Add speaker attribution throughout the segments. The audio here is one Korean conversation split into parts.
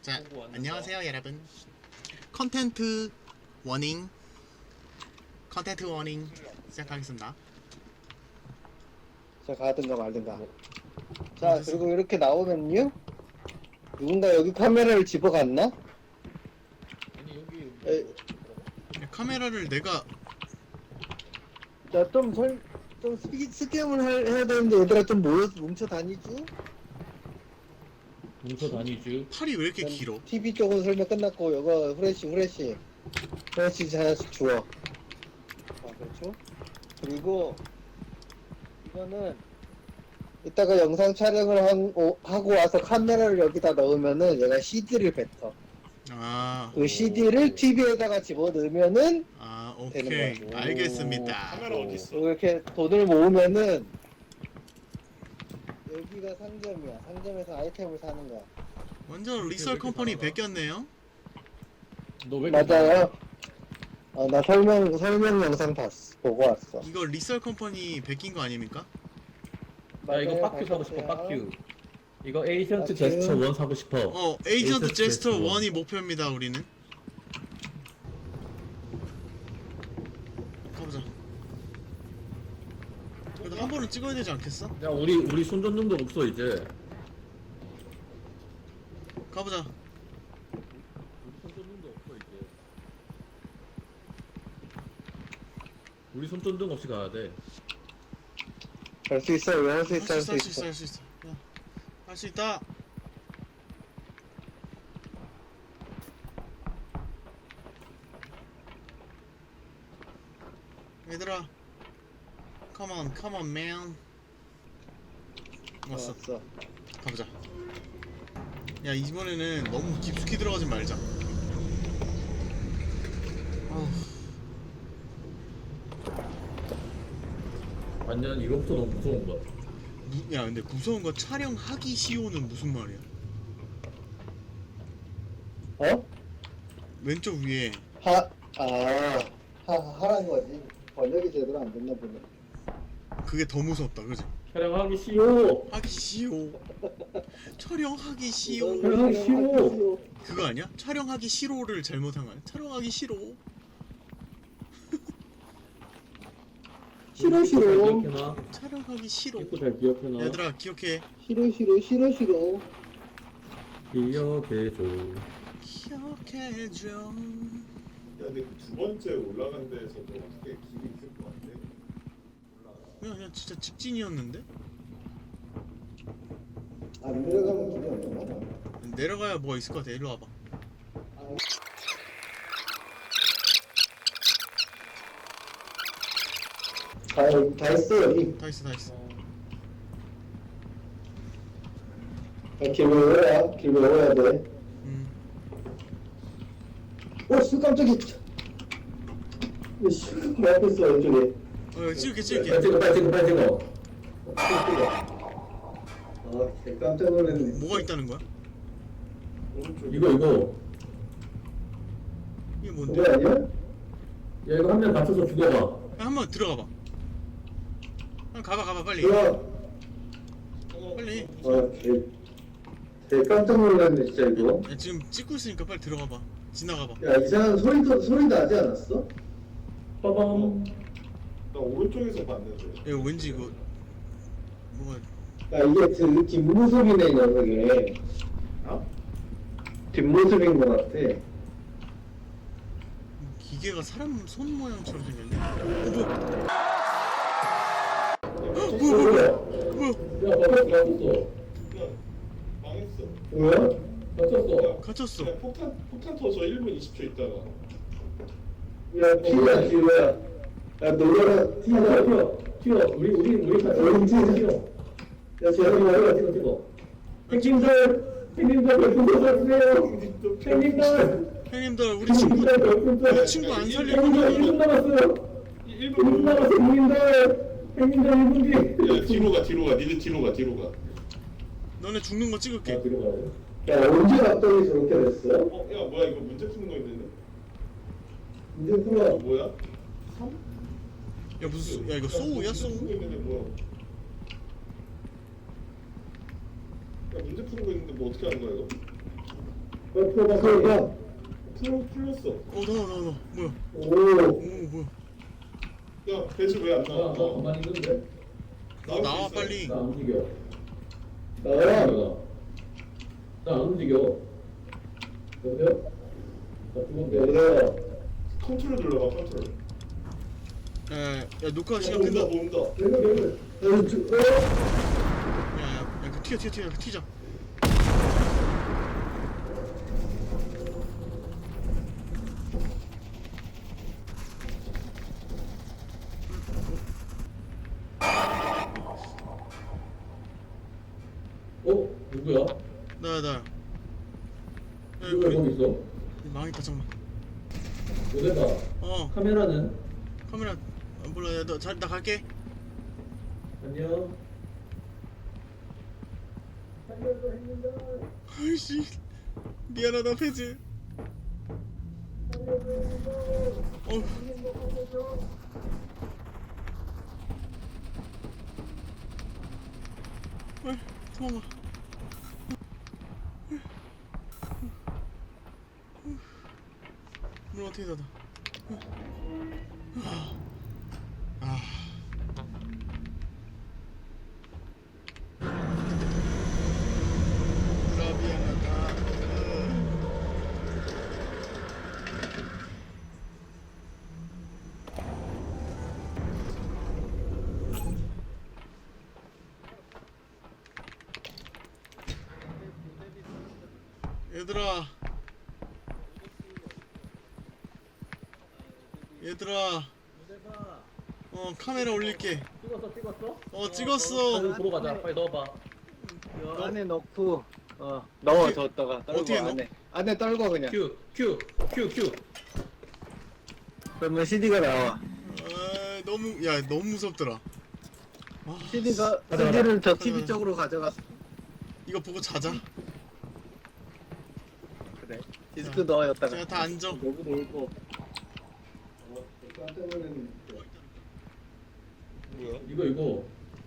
Speaker 1: 자, 안녕하세요 여러분. 컨텐트 워닝 시작하겠습니다.
Speaker 2: 자, 가든가 말든가. 자, 그리고 이렇게 나오면요, 누군가 여기 카메라를 집어갔나?
Speaker 3: 아니 여기
Speaker 2: 에,
Speaker 1: 카메라를 내가
Speaker 2: 자, 좀 스캠을 해야 되는데 얘들아 좀 뭉쳐 다니지?
Speaker 3: 뭉쳐 다니죠.
Speaker 1: 팔이 왜 이렇게 길어?
Speaker 2: TV 쪽은 설명 끝났고, 이거 후레쉬 하나씩 주워. 아, 그렇죠? 그리고 이거는 이따가 영상 촬영을 하고 와서 카메라를 여기다 넣으면은 얘가 CD를 뱉어.
Speaker 1: 아,
Speaker 2: 그 CD를 TV에다가 집어넣으면은
Speaker 1: 오케이,
Speaker 2: 되는 거야.
Speaker 1: 알겠습니다.
Speaker 4: 카메라 어디 있어?
Speaker 2: 이렇게 돈을 모으면은 여기가 상점이야. 상점에서 아이템을 사는 거야.
Speaker 1: 완전 리설 컴퍼니 베꼈네요.
Speaker 3: 너왜
Speaker 2: 맞아요. 나 설명 영상 보고 왔어.
Speaker 1: 이거 리설 컴퍼니 베낀 거 아닙니까?
Speaker 3: 나 이거
Speaker 2: 맞아요,
Speaker 3: 빡큐 사고 싶어.
Speaker 2: 바꿨어요.
Speaker 3: 빡큐. 이거 에이전트
Speaker 2: 빡큐.
Speaker 3: 제스처 1 사고 싶어.
Speaker 1: 에이전트
Speaker 3: 에이전트
Speaker 1: 제스처
Speaker 3: 제스처
Speaker 1: 1이 목표입니다. 우리는 가보자. 그래도 한 번은 찍어야 되지 않겠어?
Speaker 3: 야 우리 손전등도 없어 이제.
Speaker 1: 가보자.
Speaker 3: 우리 손전등도 없어 이제. 우리 손전등 없이 가야 돼.
Speaker 2: 할 수 있어. 왜 할 수
Speaker 1: 할
Speaker 2: 있어.
Speaker 1: 수 있어, 할 수 있어. 할 수 있다. 얘들아, come on, man. 왔어. 가보자. 야, 이번에는 너무 깊숙이 들어가지 말자. 어우,
Speaker 3: 완전 이거부터 너무 무서운 거야.
Speaker 1: 야, 근데 무서운 거 촬영하기 시오는 무슨 말이야?
Speaker 2: 어?
Speaker 1: 왼쪽 위에
Speaker 2: 하라는 거지. 번역이 제대로 안 됐나 보네.
Speaker 1: 그게 더 무섭다, 그지?
Speaker 3: 촬영하기 쉬워.
Speaker 1: 하기 시오. 촬영하기 시오.
Speaker 3: 촬영하기 싫어.
Speaker 1: 그거 아니야? 촬영하기 싫어를 잘못한 거 아니야? 촬영하기 싫어.
Speaker 2: 싫어.
Speaker 3: 기억해놔.
Speaker 1: 촬영하기 싫어.
Speaker 3: 이거 잘 기억해놔.
Speaker 1: 얘들아, 기억해.
Speaker 2: 싫어.
Speaker 3: 기억해줘.
Speaker 1: 기억해줘.
Speaker 4: 야, 근데 그 두 번째 올라간 데에서도 어떻게 길이 있을 것 같아?
Speaker 1: 그냥 진짜 직진이었는데?
Speaker 2: 안 내려가면 길이 없나?
Speaker 1: 내려가야 뭐가 있을 것 같아. 일로 와봐.
Speaker 2: 다 했어 여기.
Speaker 1: 다 있어.
Speaker 2: 길 외워야 돼. 씨, 깜짝이야. 씨, 내 앞에 있어, 왼쪽에.
Speaker 1: 찍을게.
Speaker 3: 빨리 찍어.
Speaker 2: 개 깜짝 놀랐네.
Speaker 1: 뭐가 있다는 거야?
Speaker 4: 오른쪽
Speaker 3: 이거.
Speaker 1: 이게
Speaker 2: 그거
Speaker 1: 뭔데?
Speaker 2: 아니야?
Speaker 3: 야 이거 한 명 맞춰서 죽여봐.
Speaker 1: 야, 한번 들어가봐. 가봐, 빨리.
Speaker 2: 들어와.
Speaker 1: 빨리.
Speaker 2: 개 깜짝 놀랐네, 진짜 이거.
Speaker 1: 야, 지금 찍고 있으니까 빨리 들어가봐. 지나가봐.
Speaker 2: 야, 이상한 소리 나지 않았어?
Speaker 3: 빠밤.
Speaker 4: 나 오른쪽에서 봤는데.
Speaker 1: 야, 왠지 이거 뭐가
Speaker 2: 야, 이게 그 뒷모습이네, 이 녀석이.
Speaker 4: 어?
Speaker 2: 뒷모습인 것 같아.
Speaker 1: 기계가 사람 손 모양처럼 생겼네. 뭐야?
Speaker 3: 야 맞췄어.
Speaker 4: 야, 망했어.
Speaker 2: 뭐야?
Speaker 3: 맞췄어.
Speaker 1: 갇혔어.
Speaker 4: 야, 폭탄 터져 1분 20초 있다가.
Speaker 2: 야, 튀어야. 야, 놀라라.
Speaker 3: 튀어. 우리
Speaker 2: 어디 튀어? 야, 쟤는
Speaker 3: 찍어. 형님들 별풍선 쏴주세요.
Speaker 1: 형님들, 우리 친구 안 살릴 거면
Speaker 3: 1분 남았어요. 1분 남았어요. 형님들 1분 뒤.
Speaker 4: 야, 뒤로 가. 니들 뒤로 가.
Speaker 1: 너네 죽는 거 찍을게.
Speaker 3: 뒤로 가야 돼.
Speaker 2: 야, 언제 갑자기 저렇게 됐어?
Speaker 4: 야, 뭐야, 이거 문제 푸는 거 있는데?
Speaker 2: 이제 풀어.
Speaker 4: 뭐야?
Speaker 1: 야, 무슨 야, 이거 소우야,
Speaker 4: 문제
Speaker 1: 소우?
Speaker 4: 푸는 거 있는데 뭐야? 야, 문제 푸는 거 있는데 뭐 어떻게 하는 거야, 이거?
Speaker 2: 풀어봐.
Speaker 4: 풀렸어.
Speaker 1: 나와 뭐야?
Speaker 2: 오.
Speaker 1: 오 뭐야?
Speaker 4: 야 배즈 왜 안
Speaker 3: 나
Speaker 4: 나와?
Speaker 3: 가만히 있는데.
Speaker 1: 나와 빨리.
Speaker 3: 나 안 움직여.
Speaker 2: 나와.
Speaker 3: 나안 움직여. 여보세요? 나 죽었는데.
Speaker 2: 여보세요.
Speaker 4: 컨트롤 눌러봐 컨트롤.
Speaker 1: 야 녹화 시간
Speaker 4: 온다
Speaker 1: 끝나.
Speaker 4: 온다.
Speaker 1: 야야 그 튀어 그 튀자.
Speaker 3: 누구야?
Speaker 1: 나야. 야
Speaker 3: 누가 거기
Speaker 1: 우리
Speaker 3: 있어?
Speaker 1: 망했다 잠만.
Speaker 3: 어디가? 카메라는?
Speaker 1: 카메라 몰라. 나 갈게.
Speaker 3: 안녕.
Speaker 1: 아이씨 미안하다 페즈. 도망가. 문 어떻게 닫아? 라비아나다. 얘들아 카메라 올릴게.
Speaker 3: 찍었어?
Speaker 1: 찍었어.
Speaker 3: 보러 가자. 빨리 넣어봐.
Speaker 2: 안에 넣고 넣어 뒀다가
Speaker 1: 어떻게
Speaker 2: 떨고
Speaker 1: 넣어?
Speaker 2: 안에 떨고 그냥.
Speaker 3: 큐.
Speaker 2: 그러면 CD가 나와.
Speaker 1: 너무 무섭더라.
Speaker 2: CD가
Speaker 3: 가자.
Speaker 2: CD를 저 TV 쪽으로 가져갔어.
Speaker 1: 이거 보고 자자.
Speaker 2: 그래. 디스크 넣어였다가.
Speaker 1: 제가 다 앉아.
Speaker 2: 너무 놀고. 깜짝 놀랐네.
Speaker 4: 뭐야?
Speaker 3: 이거.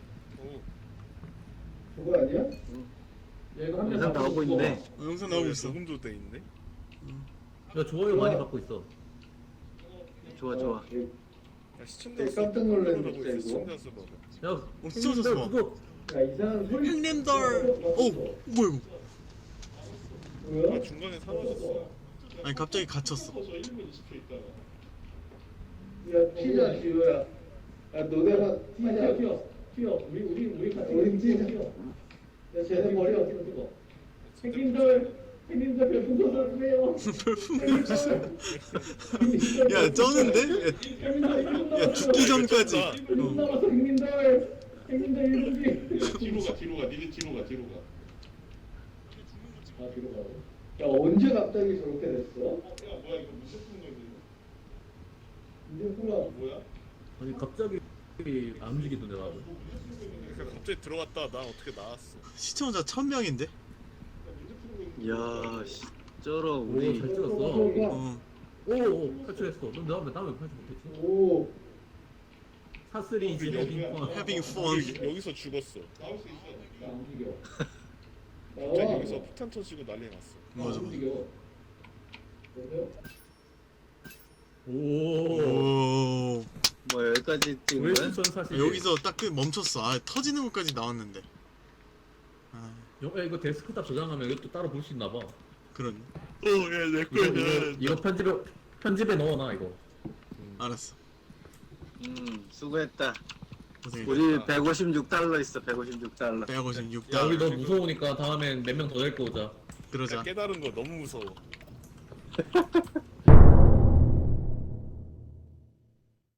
Speaker 2: 그거 아니야?
Speaker 3: 야, 이거 한
Speaker 2: 영상 나오고 있네.
Speaker 1: 영상 나오고 있어.
Speaker 4: 녹음도 돼 있네.
Speaker 3: 야, 좋아요 많이 받고 있어.
Speaker 2: 좋아.
Speaker 4: 야, 시청자 수
Speaker 2: 깜짝 놀랐네,
Speaker 4: 하고 있어,
Speaker 2: 진짜 이거.
Speaker 4: 시청자 수 봐봐.
Speaker 3: 야,
Speaker 1: 찢어졌어 봐.
Speaker 3: 그거
Speaker 2: 야 이상한 소리.
Speaker 1: 형님들. 뭐야 이거?
Speaker 4: 아 중간에 사라졌어.
Speaker 1: 아니 갑자기 갇혔어.
Speaker 4: 저 1분 20초 있다가.
Speaker 2: 야 피자 지효야. 야 너네가
Speaker 3: 튀어. 우리 같이
Speaker 2: 우리 튀자.
Speaker 3: 야, 쟤네 머리 어떻게 찍어? 형님들 별풍선 쏘세요.
Speaker 1: 야 쩌는데? 야 죽기 전까지.
Speaker 3: 남았어 형님들 1분 뒤.
Speaker 4: 뒤로 가. 니네 뒤로 가.
Speaker 3: 아, 뒤로 가고.
Speaker 2: 야 언제 갑자기 저렇게 됐어?
Speaker 4: 야 뭐야 이거 무슨 건데?
Speaker 2: 이제 몰라.
Speaker 4: 뭐야?
Speaker 3: 아니 갑자기 안 움직이던데 나도.
Speaker 4: 그러니까 갑자기 들어갔다 나 어떻게 나왔어?
Speaker 1: 시청자 1000명인데?
Speaker 2: 야 쩔어
Speaker 3: 오,
Speaker 2: 우리.
Speaker 3: 잘 찍었어. 오, 탈출했어. 넌 나왜 탈출 못했지?
Speaker 2: 오.
Speaker 3: 사슬이 이제 여기
Speaker 1: Having fun.
Speaker 4: 여기서 죽었어. 나올 수 있어.
Speaker 3: 안 움직여.
Speaker 4: 갑자기 여기서 폭탄 터지고 난리 났어.
Speaker 1: 맞아.
Speaker 3: 움직여. 오.
Speaker 1: 오.
Speaker 2: 뭐 여기까지 찍은 거야?
Speaker 3: 왼손 사실
Speaker 1: 여기서 딱 멈췄어. 터지는 것까지 나왔는데.
Speaker 3: 야, 이거 데스크탑 저장하면 이것도 따로 볼 수 있나 봐.
Speaker 1: 그러네.
Speaker 3: 이거 편집에 넣어놔 이거.
Speaker 1: 알았어.
Speaker 2: 수고했다.
Speaker 1: 고생했다.
Speaker 2: 우리 156달러 있어. 156달러.
Speaker 1: 156달.
Speaker 3: 야, 우리 너 무서우니까 다음엔 몇 명 더 데리고 오자.
Speaker 1: 그러자.
Speaker 4: 깨달은 거 너무 무서워.